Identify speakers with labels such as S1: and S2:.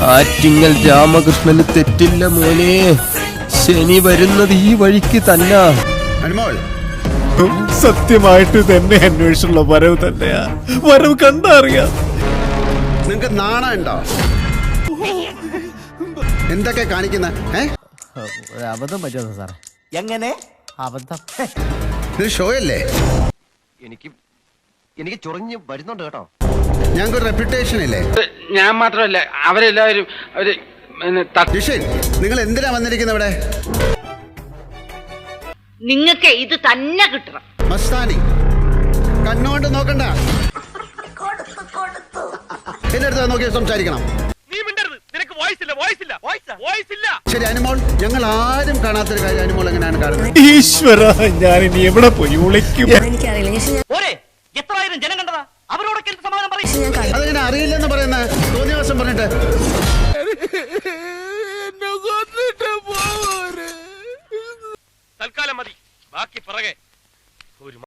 S1: ആറ്റിങ്ങൽ രാമകൃഷ്ണന് തെറ്റില്ല മോനെ. ശനി വരുന്നത് ഈ വഴിക്ക് തന്നെ.
S2: സത്യമായിട്ട് തന്നെ അന്വേഷിച്ചുള്ള വരവ് തന്നെയാ. വരവ് കണ്ടറിയാം.
S3: നിങ്ങക്ക് നാണം ഉണ്ടോ? എന്തൊക്കെ കാണിക്കുന്ന
S4: അബദ്ധം പറ്റുമോ സാറേ?
S5: എങ്ങനെ
S4: അബദ്ധം?
S3: ഇത് ഷോ അല്ലേ?
S5: എനിക്ക് ചൊറിഞ്ഞ് വരുന്നുണ്ട് കേട്ടോ.
S3: ഞങ്ങൾക്ക് ഒരു റെപ്യൂട്ടേഷൻ ഇല്ലേ?
S6: ഞാൻ മാത്രമല്ല, അവരെല്ലാവരും
S3: നിങ്ങൾ എന്തിനാ വന്നിരിക്കുന്നത് ഇവിടെ?
S7: നിങ്ങൾക്ക് ഇത് തന്നെ കിട്ടണം.
S3: മസ്താനി കണ്ണുകൊണ്ട് നോക്കണ്ട, എന്റെ അടുത്ത് നോക്കി സംസാരിക്കണം. ശരി അനുമോൾ, ഞങ്ങൾ ആരും കാണാത്തൊരു കാര്യം അനുമോൾ എങ്ങനെയാണ് കാണുന്നത്?
S2: ഈശ്വര, ഞാൻ ഇനി എവിടെ പോയി വിളിക്കും?
S5: എത്രായിരം ജനം കണ്ടതാ, അവരോടൊക്കെ എന്ത് സമാധാനം പറയും?
S3: അതെങ്ങനെ അറിയില്ലെന്ന് പറയുന്ന തോന്നിയ ദിവസം പറഞ്ഞിട്ട്
S6: തൽക്കാലം മതി, ബാക്കി പിറകെ.